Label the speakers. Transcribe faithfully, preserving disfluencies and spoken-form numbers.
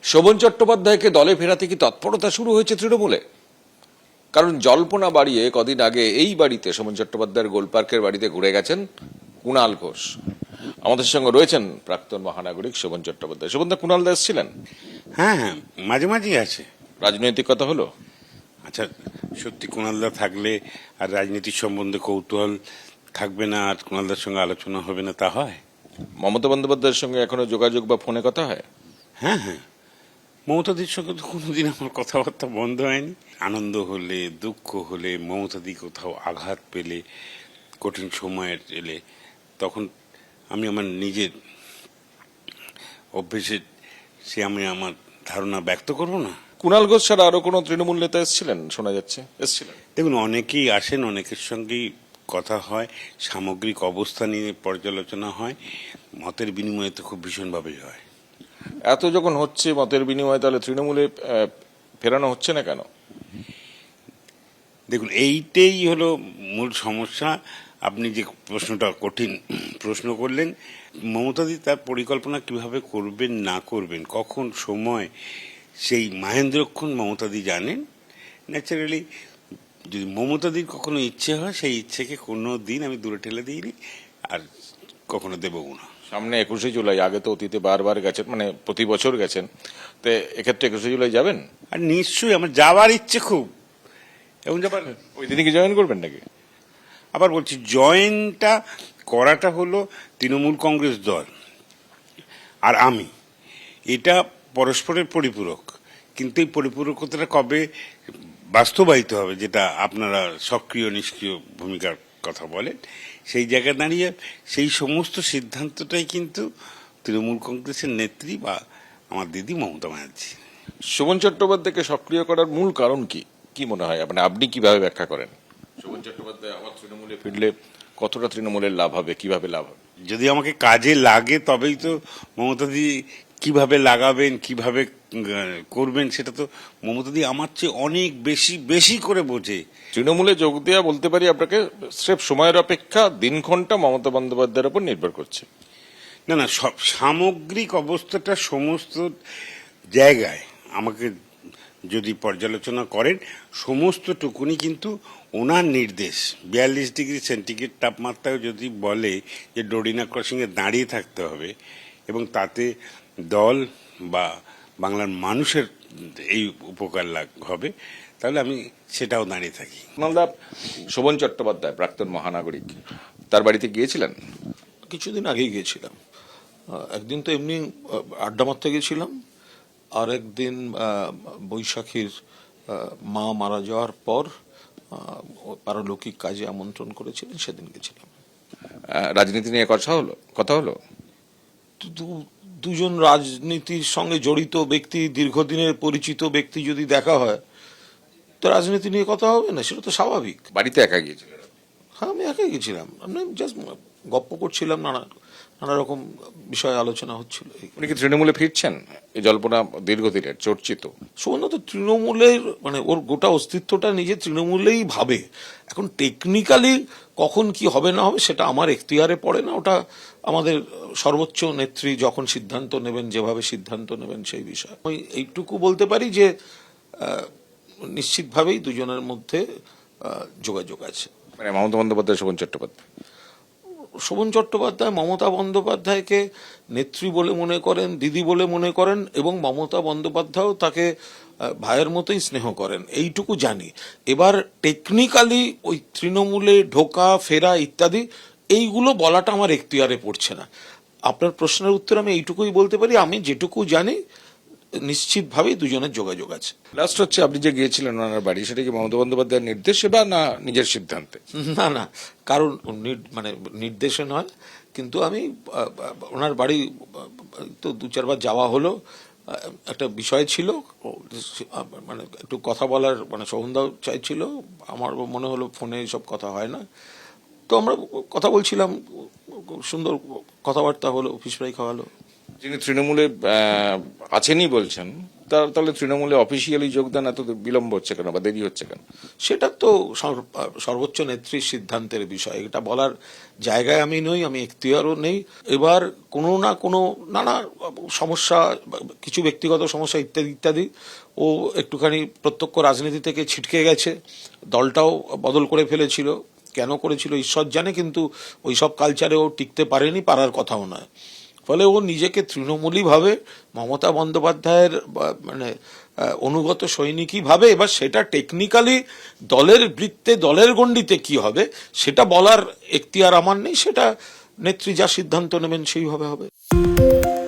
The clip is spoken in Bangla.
Speaker 1: শোভন চট্টোপাধ্যায়কে দলে ফেরাতে কি তৎপরতা শুরু হয়েছে তৃণমূলে? কারণ জল্পনা বাড়িয়ে কদিন আগে এই বাড়িতে শোভন চট্টোপাধ্যায়ের গোলপার্কের বাড়িতে ঘুরে গেছেন কুণাল ঘোষ। আমাদের সঙ্গে রয়েছেন প্রাক্তন মহানাগরিক শোভন চট্টোপাধ্যায়। শোভনদা, কুণাল দাস ছিলেন?
Speaker 2: হ্যাঁ হ্যাঁ, মাঝে মাঝেই আছে।
Speaker 1: রাজনৈতিক কথা হলো?
Speaker 2: আচ্ছা, সত্যি কুণালদা থাকলে আর রাজনীতির সম্বন্ধে কৌতূহল থাকবে না, আর কুণালদার সঙ্গে আলোচনা হবে না, তা হয়?
Speaker 1: মমতা বন্দ্যোপাধ্যায়ের সঙ্গে এখনো যোগাযোগ বা ফোনে কথা হয়?
Speaker 2: হ্যাঁ হ্যাঁ, মমতাদির সঙ্গে তো কোনোদিন আমার কথাবার্তা বন্ধ হয়নি। আনন্দ হলে, দুঃখ হলে, মমতাদি কোথাও আঘাত পেলে, কঠিন সময়ের এলে, তখন আমি আমার নিজের অভ্যেসে সে আমি আমার ধারণা ব্যক্ত করব না।
Speaker 1: কুণাল ঘোষ ছাড়া আরো কোনো তৃণমূল নেতা এসেছিলেন? শোনা যাচ্ছে এসেছিলেন।
Speaker 2: দেখুন, অনেকেই আসেন, অনেকের সঙ্গেই কথা হয়, সামগ্রিক অবস্থা নিয়ে পর্যালোচনা হয়, মতের বিনিময় তো খুব ভীষণভাবেই হয়।
Speaker 1: এত যখন হচ্ছে মতের বিনিময়, তাহলে তৃণমূলে আহ, ফেরানো হচ্ছে না কেন?
Speaker 2: দেখুন, এইটাই হলো মূল সমস্যা। আপনি যে প্রশ্নটা কঠিন প্রশ্ন করলেন, মমতাদি তার পরিকল্পনা কিভাবে করবেন না করবেন, কখন সময়, সেই মহেন্দ্রক্ষণ মমতাদি জানেন। ন্যাচারালি যদি মমতাদির কখনো ইচ্ছে হয়, সেই ইচ্ছেকে কোনো দিন আমি দূরে ঠেলে দিইনি, আর কখনো দেবও না।
Speaker 1: সামনে একুশে জুলাই, আগে তো অতীতে বারবার গেছেন, মানে প্রতি বছর গেছেন, তো এক্ষেত্রে একুশে জুলাই যাবেন?
Speaker 2: আর নিশ্চয়ই আমার যাওয়ার ইচ্ছে খুব, এবং যাবার
Speaker 1: ওই দিনে কি জয়েন করবেন নাকি?
Speaker 2: আবার বলছি, জয়েনটা করাটা হলো তৃণমূল কংগ্রেস দল আর আমি, এটা পরস্পরের পরিপূরক, কিন্তু এই পরিপূরকতাটা কবে বাস্তবায়িত হবে, যেটা আপনারা সক্রিয় নিষ্ক্রিয় ভূমিকার কথা বলেন, সেই জায়গায় দাঁড়িয়ে সেই সমস্ত সিদ্ধান্তটাই কিন্তু তৃণমূল কংগ্রেসের নেত্রী বা আমার দিদি মমতা ব্যানার্জি।
Speaker 1: শোভন চট্টোপাধ্যায়কে সক্রিয় করার মূল কারণ কি কি মনে হয়? মানে আপনি কিভাবে ব্যাখ্যা করেন? শোভন চট্টোপাধ্যায় আবার তৃণমূলে ফিরলে কতটা তৃণমূলের লাভ হবে, কিভাবে লাভ হবে?
Speaker 2: যদি আমাকে কাজে লাগে তবেই তো মমতাদি কিভাবে লাগাবেন, কিভাবে করবেন, সেটা তো মমতাদি আমার চেয়ে অনেক বেশি বেশি করে বোঝে।
Speaker 1: তৃণমূলে যোগ দেওয়া, বলতে পারি আপনাকে, স্রেফ সময়ের অপেক্ষা দিনক্ষণটা মমতা বন্দ্যোপাধ্যায়ের উপর নির্ভর করছে।
Speaker 2: না না, সব সামগ্রিক অবস্থাটা সমস্ত জায়গায় আমাকে যদি পর্যালোচনা করেন, সমস্তটুকুনি কিন্তু ওনার নির্দেশ। বিয়াল্লিশ ডিগ্রি সেন্টিগ্রেড তাপমাত্রায় যদি বলে যে ডোরিনা ক্রসিংয়ে দাঁড়িয়ে থাকতে হবে, এবং তাতে দল বা বাংলার মানুষের এই উপকার লাভ হবে, তাহলে আমি সেটাও দাঁড়িয়ে থাকি।
Speaker 1: মালদা, শোভন চট্টোপাধ্যায় প্রাক্তন মহানাগরিক, তার বাড়িতে গিয়েছিলেন?
Speaker 3: কিছুদিন আগেই গিয়েছিলাম। একদিন তো এমনি আড্ডা মারতে গেছিলাম, আর একদিন বৈশাখীর মা মারা যাওয়ার পর পারলৌকিক কাজে আমন্ত্রণ করেছিলেন, সেদিন গেছিলাম।
Speaker 1: রাজনীতি নিয়ে কথা হলো কথা হলো
Speaker 3: দুজন রাজনীতির সঙ্গে জড়িত ব্যক্তি, দীর্ঘদিনের পরিচিত ব্যক্তি যদি দেখা হয়, তো রাজনীতি নিয়ে কথা হবে না? সেটা তো স্বাভাবিক।
Speaker 1: বাড়িতে একা গিয়েছিলেন?
Speaker 3: হ্যাঁ, আমি একাই গেছিলাম। আমি জাস্ট গপ্প করছিলাম, নানা নানা রকম বিষয়ে আলোচনা হচ্ছিল।
Speaker 1: উনি কি তৃণমূলে ফিরছেন? এই জল্পনা দীর্ঘদিনের চর্চিত।
Speaker 3: সুবর্ণ তো তৃণমূলের, মানে ওর গোটা অস্তিত্বটা নিজে তৃণমূলেই ভাবে। এখন টেকনিক্যালি কখন কি হবে না হবে সেটা আমার এখতিয়ারে পড়ে না, ওটা আমাদের সর্বোচ্চ নেত্রী যখন সিদ্ধান্ত নেবেন, যেভাবে সিদ্ধান্ত নেবেন সেই বিষয়। আমি এইটুকু বলতে পারি যে নিশ্চিতভাবেই দুজনের মধ্যে যোগাযোগ আছে।
Speaker 1: মানে মমতা বন্দ্যোপাধ্যায়, শোভন চট্টোপাধ্যায়
Speaker 3: শোভন চট্টোপাধ্যায় মমতা বন্দ্যোপাধ্যায়কে নেত্রী বলে মনে করেন, দিদি বলে মনে করেন, এবং মমতা বন্দ্যোপাধ্যায়ও তাকে ভাইয়ের মতোই স্নেহ করেন, এইটুকু জানি। এবার টেকনিক্যালি ওই তৃণমূলে ঢোকা ফেরা ইত্যাদি এইগুলো বলাটা আমার এখতিয়ারে পড়ছে না। আপনার প্রশ্নের উত্তর আমি এইটুকুই বলতে পারি, আমি যেটুকু জানি নিশ্চিতভাবেই দুজনের যোগাযোগ আছে।
Speaker 1: লাস্ট হচ্ছে, আপনি যে গিয়েছিলেন ওনার বাড়ি, সেটা কি মমতা বন্দ্যোপাধ্যায়ের নির্দেশে বা না নিজের সিদ্ধান্তে?
Speaker 3: না না, কারণ মানে নির্দেশে নয়, কিন্তু আমি ওনার বাড়ি তো দু চারবার যাওয়া হলো। একটা বিষয় ছিল, মানে একটু কথা বলার, মানে সৌন্দাও চাইছিল, আমার মনে হলো ফোনে সব কথা হয় না, তো আমরা কথা বলছিলাম, সুন্দর কথাবার্তা হলো, ফিশ ফ্রাই খাওয়ালো।
Speaker 1: যিনি তৃণমূলে আহ, আছেনই বলছেন, তার তাহলে তৃণমূলে অফিসিয়ালি যোগদান এত বিলম্ব হচ্ছে কেন বা দেরি হচ্ছে কেন?
Speaker 3: সেটা তো সর- সর্বোচ্চ নেত্রীর সিদ্ধান্তের বিষয়, এটা বলার জায়গায় আমি নই, আমি এখতিয়ারও নেই। এবার কোনো না কোনো নানা সমস্যা, কিছু ব্যক্তিগত সমস্যা ইত্যাদি ইত্যাদি, ও একটুখানি প্রত্যক্ষ রাজনীতি থেকে ছিটকে গেছে, দলটাও বদল করে ফেলেছিল, কেন করেছিল ঈশ্বর জানে, কিন্তু ওই সব কালচারে ও টিকতে পারেনি, পারার কথাও নয়। ফলে ও নিজেকে তৃণমূলী ভাবে, মমতা বন্দ্যোপাধ্যায়ের বা- মানে আহ, অনুগত সৈনিকই ভাবে। এবার সেটা টেকনিক্যালি দলের বৃত্তে, দলের গণ্ডিতে কি হবে সেটা বলার এখতিয়ার আমার নেই, সেটা নেত্রী যা সিদ্ধান্ত নেবেন সেইভাবে হবে।